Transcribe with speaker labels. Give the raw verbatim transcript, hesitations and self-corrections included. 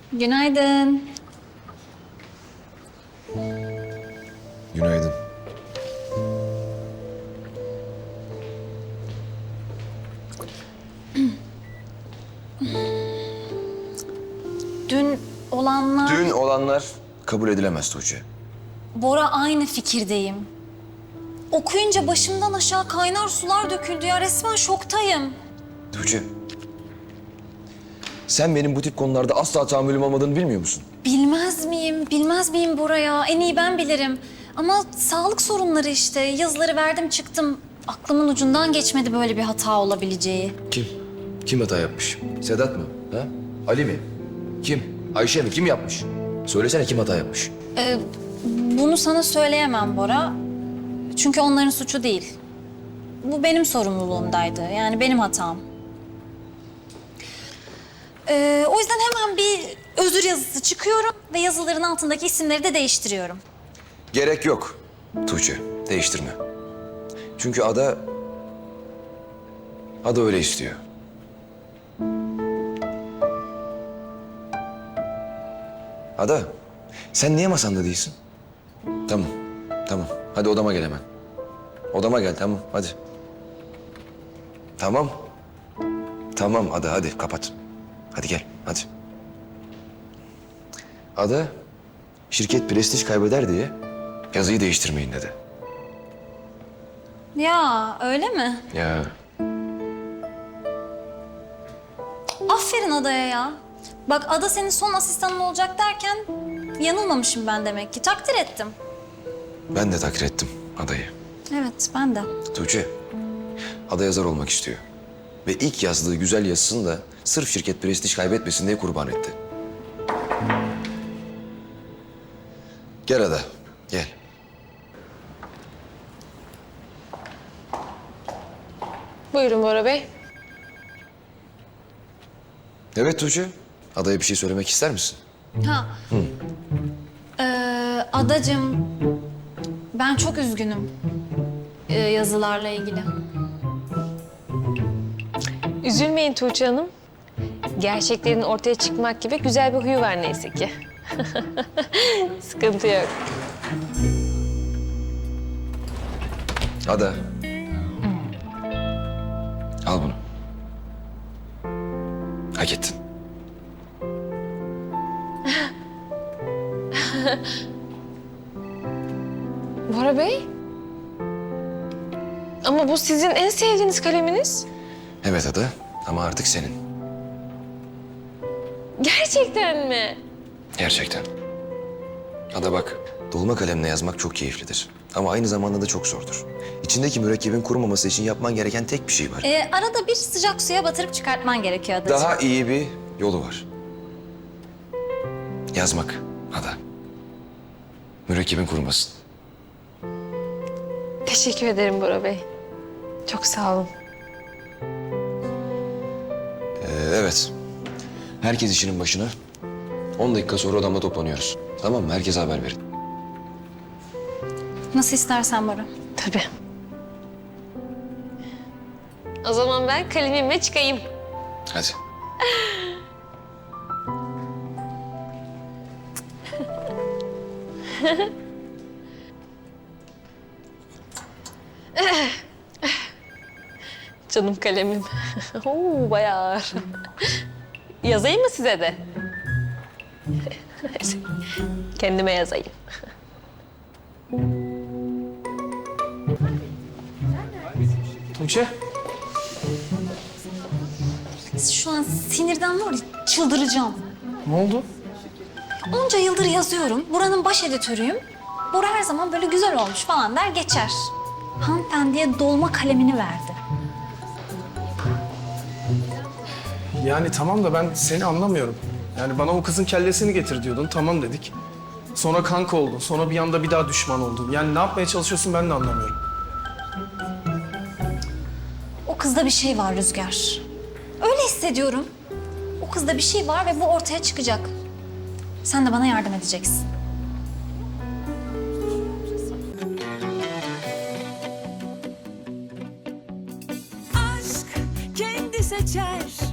Speaker 1: Günaydın.
Speaker 2: Günaydın.
Speaker 1: Dün olanlar...
Speaker 2: Dün olanlar kabul edilemez Tuğçe.
Speaker 1: Bora, aynı fikirdeyim. Okuyunca başımdan aşağı kaynar sular döküldü ya. Resmen şoktayım.
Speaker 2: Tuğçe. Sen benim bu tip konularda asla tahammülüm olmadığını bilmiyor musun?
Speaker 1: Bilmez miyim? Bilmez miyim Bora ya? En iyi ben bilirim. Ama sağlık sorunları işte. Yazıları verdim çıktım. Aklımın ucundan geçmedi böyle bir hata olabileceği.
Speaker 2: Kim? Kim hata yapmış? Sedat mı? Ha? Ali mi? Kim? Ayşe mi? Kim yapmış? Söylesene kim hata yapmış?
Speaker 1: Ee, bunu sana söyleyemem Bora. Çünkü onların suçu değil. Bu benim sorumluluğumdaydı. Yani benim hatam. Ee, o yüzden hemen bir özür yazısı çıkıyorum ve yazıların altındaki isimleri de değiştiriyorum.
Speaker 2: Gerek yok Tuğçe. Değiştirme. Çünkü Ada... Ada öyle istiyor. Ada, sen niye masanda değilsin? Tamam, tamam. Hadi odama gel hemen. Odama gel, tamam. Hadi. Tamam. Tamam Ada, hadi kapat. Hadi gel, hadi. Ada, şirket prestij kaybeder diye yazıyı değiştirmeyin dedi.
Speaker 1: Ya öyle mi?
Speaker 2: Ya.
Speaker 1: Aferin Ada'ya ya. Bak Ada senin son asistanın olacak derken yanılmamışım ben demek ki. Takdir ettim.
Speaker 2: Ben de takdir ettim Ada'yı.
Speaker 1: Evet, ben de.
Speaker 2: Tuğçe, Ada yazar olmak istiyor. Ve ilk yazdığı güzel yazısını da sırf şirket prestij kaybetmesin diye kurban etti. Gel Ada, gel.
Speaker 3: Buyurun Bora Bey.
Speaker 2: Evet Tuğçe, Ada'ya bir şey söylemek ister misin?
Speaker 1: Ha. Ee, Adacığım, ben çok üzgünüm ee, yazılarla ilgili.
Speaker 3: Üzülmeyin Tuğçe Hanım. Gerçeklerin ortaya çıkmak gibi güzel bir huyu var neyse ki. Sıkıntı yok.
Speaker 2: Ada. Al bunu. Hak ettin.
Speaker 3: Bora Bey? Ama bu sizin en sevdiğiniz kaleminiz.
Speaker 2: Evet Ada ama artık senin.
Speaker 3: Gerçekten mi?
Speaker 2: Gerçekten. Ada bak, dolma kalemle yazmak çok keyiflidir. Ama aynı zamanda da çok zordur. İçindeki mürekkebin kurumaması için yapman gereken tek bir şey var.
Speaker 1: Ee, arada bir sıcak suya batırıp çıkartman gerekiyor Adacığım.
Speaker 2: Daha iyi bir yolu var. Yazmak Ada. Mürekkebin kurumasın.
Speaker 3: Teşekkür ederim Bora Bey. Çok sağ olun.
Speaker 2: Ee, evet. Herkes işinin başına. On dakika sonra odamda toplanıyoruz. Tamam mı? Herkese haber verin.
Speaker 1: Nasıl istersen Bora.
Speaker 3: Tabii. O zaman ben kalemimle çıkayım.
Speaker 2: Hadi.
Speaker 3: Canım kalemim. Oo, bayağı ağır. Yazayım mı size de? Kendime yazayım.
Speaker 4: Tuğçe.
Speaker 1: Şu an sinirden var ya çıldıracağım.
Speaker 4: Ne oldu?
Speaker 1: Onca yıldır yazıyorum. Buranın baş editörüyüm. Bora her zaman böyle güzel olmuş falan der geçer. Hanımefendiye dolma kalemini verdi.
Speaker 4: Yani tamam da ben seni anlamıyorum. Yani bana o kızın kellesini getir diyordun. Tamam dedik. Sonra kanka oldun. Sonra bir anda bir daha düşman oldun. Yani ne yapmaya çalışıyorsun ben de anlamıyorum.
Speaker 1: O kızda bir şey var Rüzgar. Öyle hissediyorum. O kızda bir şey var ve bu ortaya çıkacak. Sen de bana yardım edeceksin.
Speaker 5: Aşk kendi seçer